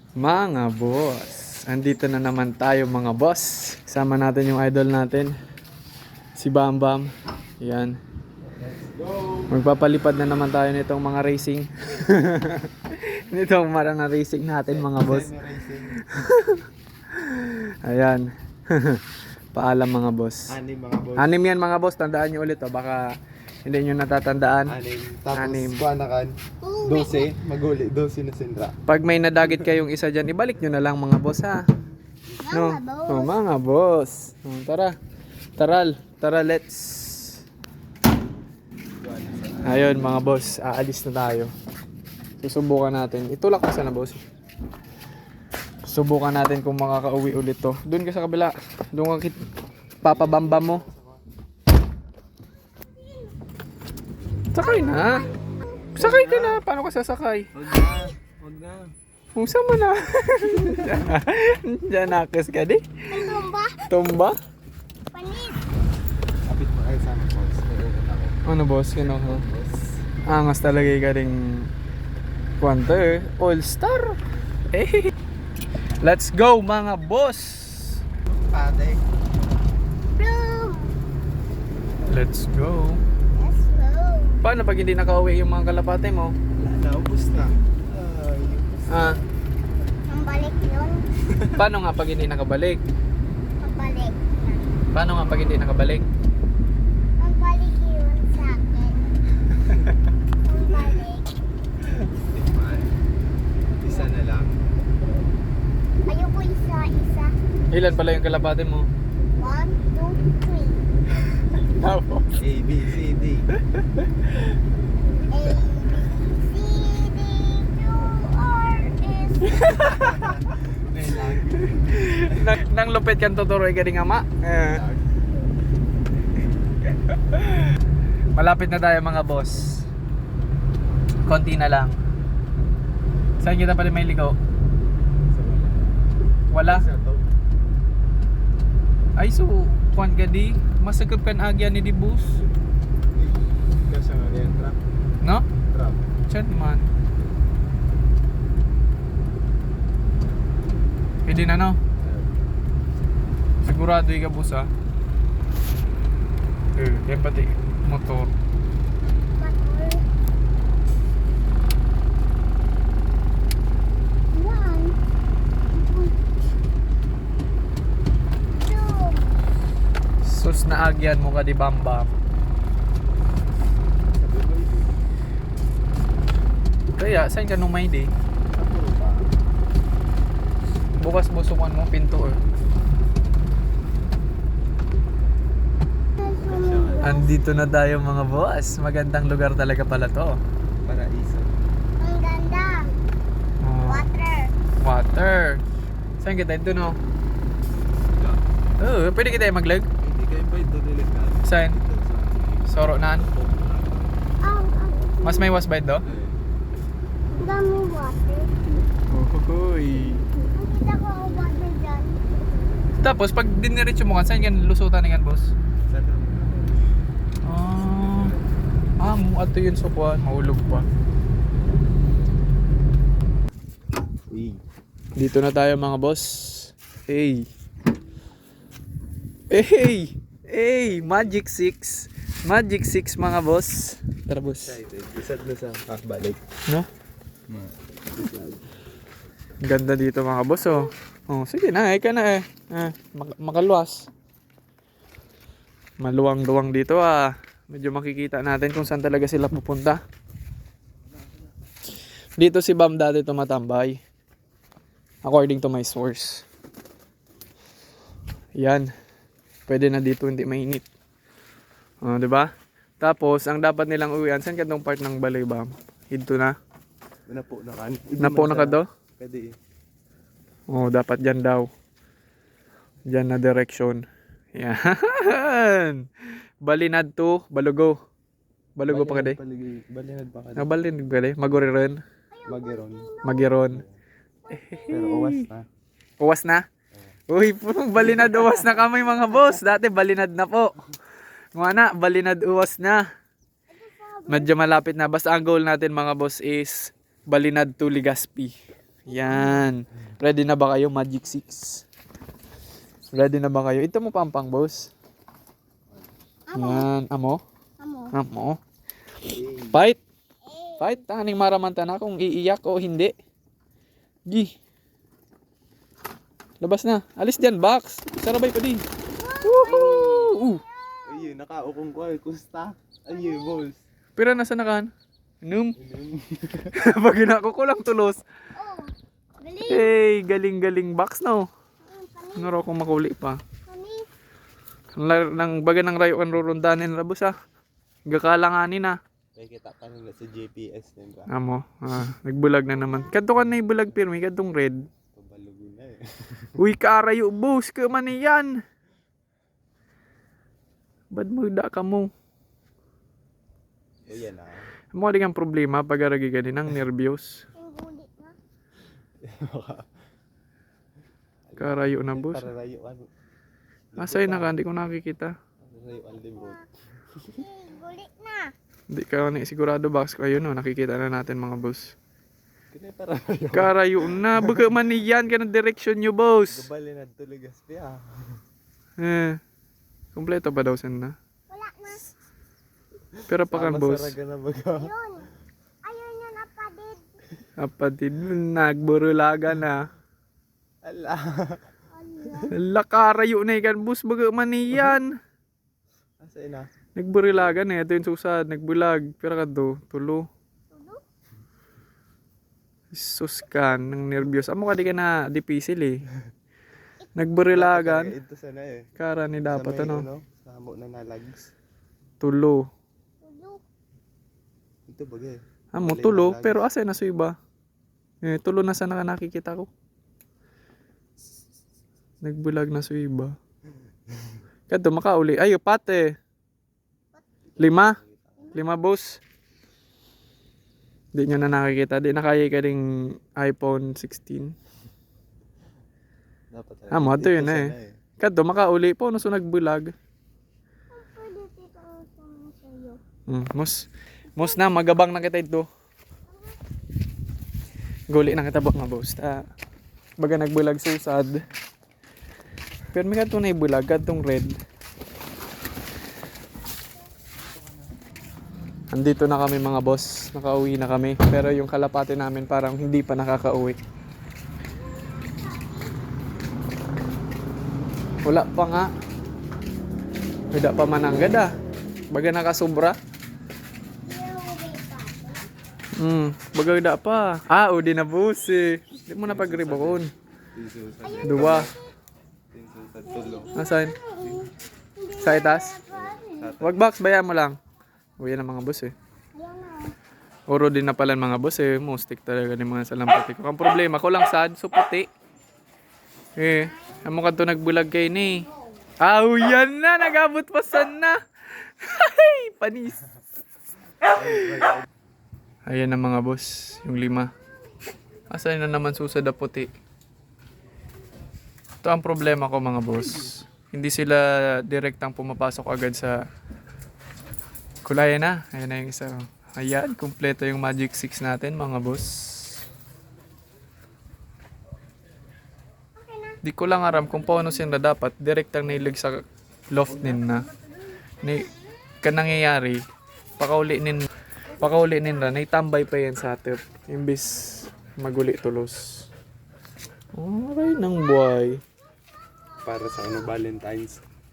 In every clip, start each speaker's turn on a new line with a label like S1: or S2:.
S1: Mga boss, andito na naman tayo mga boss. Kasama natin yung idol natin, si Bam Bam. Yan. Magpapalipad na naman tayo nitong mga racing. Nitong mga racing natin mga boss. Ayan. Paalam mga boss.
S2: Anim mga boss.
S1: Anim yan mga boss, tandaan nyo ulit baka hindi nyo natatandaan.
S2: Anim. Tapos
S1: Anim.
S2: buwanakan. 12. Maguli. 12 na sindra.
S1: Pag may nadagit kayong isa dyan, ibalik nyo na lang mga boss ha. No? Oh, mga boss. Oh, tara. Tara, let's. Ayun mga boss, aalis na tayo. Susubukan natin. Itulak mo sana boss. Subukan natin kung makakauwi ulit to. Doon ka sa kabila. Doon ka papabamba mo. Sakay na. Sakay ka na. Paano ka sasakay?
S2: Huwag na.
S1: Kung mo na. Diyan nakis ka di. Tumba?
S3: Panis.
S2: Kapit mo ay sana boss. Naiugot ako.
S1: Ano boss? Kino ko?
S2: Boss.
S1: Angas talaga yung galing Quanter. All star. Eh. Let's go mga boss.
S2: Pate.
S3: Bloom.
S1: Let's go.
S3: Let's go.
S1: Paano pag hindi nakauwi yung mga kalapate mo?
S2: Wala na. Ubus na. Ay.
S1: Ah,
S3: Ang balik yun.
S1: paano nga pag hindi nakabalik?
S3: Pabalik.
S1: Paano nga pag hindi nakabalik?
S3: Ang balik yun sa akin. Ang balik.
S2: Tikman. Isa na lang.
S3: Ayoko isa.
S1: Ilan pala yung kalapate mo?
S3: 1, 2, 3.
S1: Tapos.
S2: A, B, C, D.
S3: A, B, C, D, Q, R, S.
S1: Nang lupit kang tuturoy ka rin ama. Malapit na tayo mga boss. Konti na lang. Saan kita pala may ligaw? Wala? Ay so, kuan ka di? Masagap kan agya ni di bus.
S2: Kasi nga yan. Trap.
S1: No?
S2: Trap.
S1: Chan man. Pwede na no? Sigurado yung kabus ah. Yan pati motor.
S3: Motor. 1, 2.
S1: Sus na agyan mo ka di Bambam. Kaya, saan ka nung may day? Bukas mo sukan mo pinto eh. Andito na tayo mga boss. Magandang lugar talaga pala to.
S2: Paraiso.
S3: Ang ganda.
S1: Oh,
S3: Water.
S1: water. Saan kita? Ito no? Oh, pwede kita maglag?
S2: Hindi kayo pa ito delikado.
S1: Saan?
S2: Ito sa
S1: Soro naan?
S3: Ang
S1: Mas may wasbite do?
S3: dami water.
S1: Uhuy.
S3: Nakita ko ang water dyan.
S1: Tapos pag diniretso mo kan, saan yan lusutan na yan boss?
S2: Sana.
S1: Mo ato yun so kuhan, mahulog pa.
S2: Uy.
S1: Dito na tayo mga boss. Hey. Hey, Magic 6. Magic 6 mga boss. Tara boss.
S2: Excited. Isad na sa balik.
S1: No? Ganda dito mga boss oh. Oh, sige na, ka na eh. Makaluwas. Maluwang-luwang dito ah. Medyo makikita natin kung saan talaga sila pupunta. Dito si Bam dati tumatambay. According to my source. Yan. Pwede na dito hindi mainit. Oh, 'di ba? Tapos ang dapat nilang uwian, saan kadtong part ng balay Bam? Dito na.
S2: Napo na kan.
S1: Napo na ka do?
S2: Pwede.
S1: Oh, dapat dyan daw. Dyan na direction. Yan. Balinad to, Balugo. Balugo pa ka di?
S2: Balinad pa ka.
S1: Balinad ka di? Maguriron.
S2: Magiron.
S1: Magiron.
S2: Pero uwas na.
S1: Uwas na? Uy, balinad uwas na kami mga boss. Dati balinad na po. Mga na, balinad uwas na. Medyo malapit na. Basta ang goal natin mga boss is Balinad to Legazpi. Yan. Ready na ba kayo, Magic 6? Ready na ba kayo? Ito mo pampang, boss. Yan. Amo? Amo. Fight. Fight. Taning maramanta na kung iiyak o hindi. Gi. Labas na. Alis dyan, box. Sarabay pa din. Woohoo!
S2: Ayun, nakaukong ko eh. Kusta? Ayun, boss.
S1: Pero nasa nakan? Num. Pag ginako ko lang tulos.
S3: Oh, galing.
S1: Hey, galing-galing box no. Naro kong makuli pa.
S3: Kani.
S1: Nang baga ng rayo kan rurundanin rabos ah. Gakalanganin ah.
S2: May kita ka nila sa GPS din ba?
S1: Amo, nagbulag na naman. Kadto ka na ibulag pirmi, kadtong red.
S2: Pabalugo na eh.
S1: Uy, karayo boss, ka man yan. Bad mo da ka mo.
S2: Ayan ah.
S1: Mo di kang problema pag aragi ka din ng nervyos.
S3: Yung gulit na.
S1: Karayo na boss.
S2: Para rayuan.
S1: Asay na ka, hindi ko nakikita.
S2: Rayuan libot.
S3: Gulit na.
S1: Hindi ka na sigurado box ko. Ayun no, nakikita na natin mga boss.
S2: Kaya para rayuan.
S1: Karayo na, baga man yan ka ng direksyon nyo boss.
S2: Gabali na tuligas pa
S1: Kompleto pa daw sen na.
S3: Wala na.
S1: Pero pa kan boss.
S2: Masaraga na baga.
S3: Yun. Ayun yun, apadid.
S1: Apatid nagburulaga na.
S2: Ala.
S3: Ala.
S1: Karayo na ikan boss, baga man yan.
S2: Asay na.
S1: Nagburilaga na ito yung susad, nagbulag. Pero ka do, tulo.
S3: Tulo?
S1: Sus ka, nang nervyos. Amo ka di ka na dipisil eh. Nagburilagan.
S2: Ito sana eh.
S1: Kara ni dapat
S2: Sa may
S1: ano.
S2: Sa hamo na nalags.
S1: Tulo.
S3: Tulo.
S2: Ito bagay.
S1: Amo, tulo. Pero asa na sa iba? Tulo na sana ka nakikita ko. Nagbulag na sa iba. Kato, makauli. Ayo, pate. 5? 5 boss. Di nyo na nakikita. Di nakaya ka ring iPhone 16.
S2: Dapat
S1: Amo, ito yun
S2: sana
S1: eh. Kato, makauli po. Naso nagbulag.
S3: Pwede dito ang sa'yo.
S1: Mos na, magabang na kita ito. Guli na kita ba nga boss. Baga nagbulag susad. Pero may kato na ibulag. Katong red. Andito na kami mga boss. Nakauwi na kami. Pero yung kalapate namin parang hindi pa nakakauwi. Wala pa nga. Wala pa mananggad ah. Baga nakasubra. Baga wala pa. Udi na boss eh. Hindi mo na pag-ribakon. Dua.
S2: Sa tulo.
S1: Nasaan? Sa itas? Wag box, bayan mo lang. Uwi na mga boss eh.
S3: Ayan na.
S1: Oro din na pala mga boss eh. Mustik talaga ni mga salampati ko. Ang problema ko lang sad, so puti. Amo ka to nagbulag kay ni. Yan na, nagabot pa sana. Ay, panis. Ayan na mga boss, yung 5. Asan na naman susad na puti. Ito ang problema ko mga boss. Hindi sila direktang pumapasok agad sa kulay na. Ayan na yung isa. Ayan, kumpleto yung Magic 6 natin mga boss. Di ko lang aram kung paano sila dapat direktang nailig sa loft nin na. Kanangyayari, pakauli nin na, naitambay pa yan sa atip. Imbis maguli tulos. Aray ng buhay.
S2: Para sa Valentine's.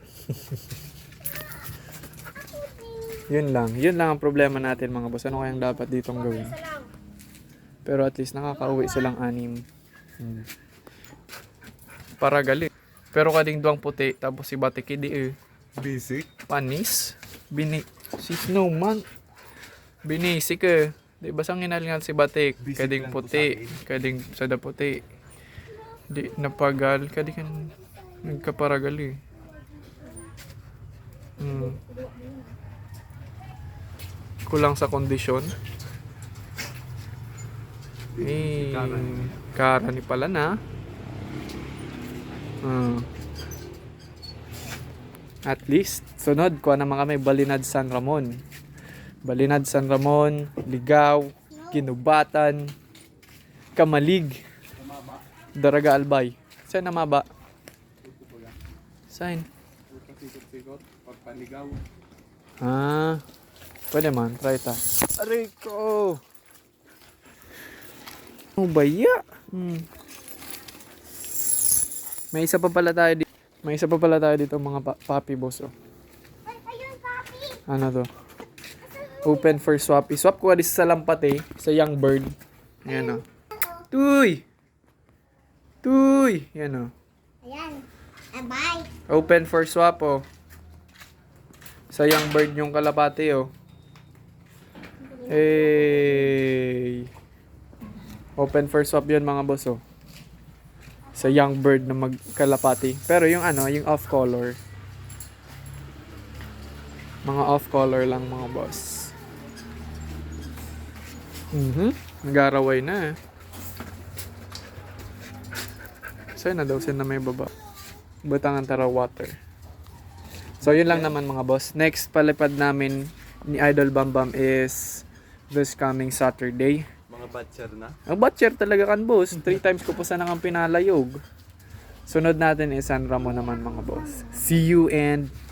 S1: Yun lang ang problema natin mga boss. Ano kayang dapat ditong gawin? Pero at least nakakauwi silang 6. Para galit. Pero kading duwang puti, tapos si Batik hindi
S2: Basic.
S1: panis. Si Snowman. Binisik eh. Di ba sang inalingan si Batik?
S2: Bisik
S1: Kading
S2: lang to
S1: puti. Kading sada puti. Di napagal. Kading nagkaparagal eh. Kulang sa kondisyon. Kara ni pala na. At least, sunod, kuha naman kami Balinad San Ramon. Balinad San Ramon, Ligaw, Ginubatan, Kamalig. Daraga albay. Saan na maba? Saan?
S2: Pasikot-sikot, pagpaligaw.
S1: Ah, pwede man. Try ta. Aray ko! Oh, baya. May isa pa pala tayo dito. May isa pa pala tayo dito mga papi boss. Oh.
S3: Ay, ayun, papi.
S1: Ano to? Open for swap. I-swap ko sa lampate. Sa young bird. Yan o. Tuy! Tuy! Yan o.
S3: Ayan. Bye.
S1: Open for swap oh. Sa young bird yung kalapate oh. Hey! Open for swap yun mga boss oh. Sa young bird na magkalapati. Pero yung ano, yung off color. Mga off color lang mga boss. Nag-araway na eh. Saan na daw? Saan na may baba? Batangan Tara Water. So yun lang naman mga boss. Next palipad namin ni Idol Bambam is this coming Saturday.
S2: Mga batcher na.
S1: Ang batcher talaga kan boss. 3 times ko po sana kang pinalayog. Sunod natin is San Ramon naman mga boss. See you and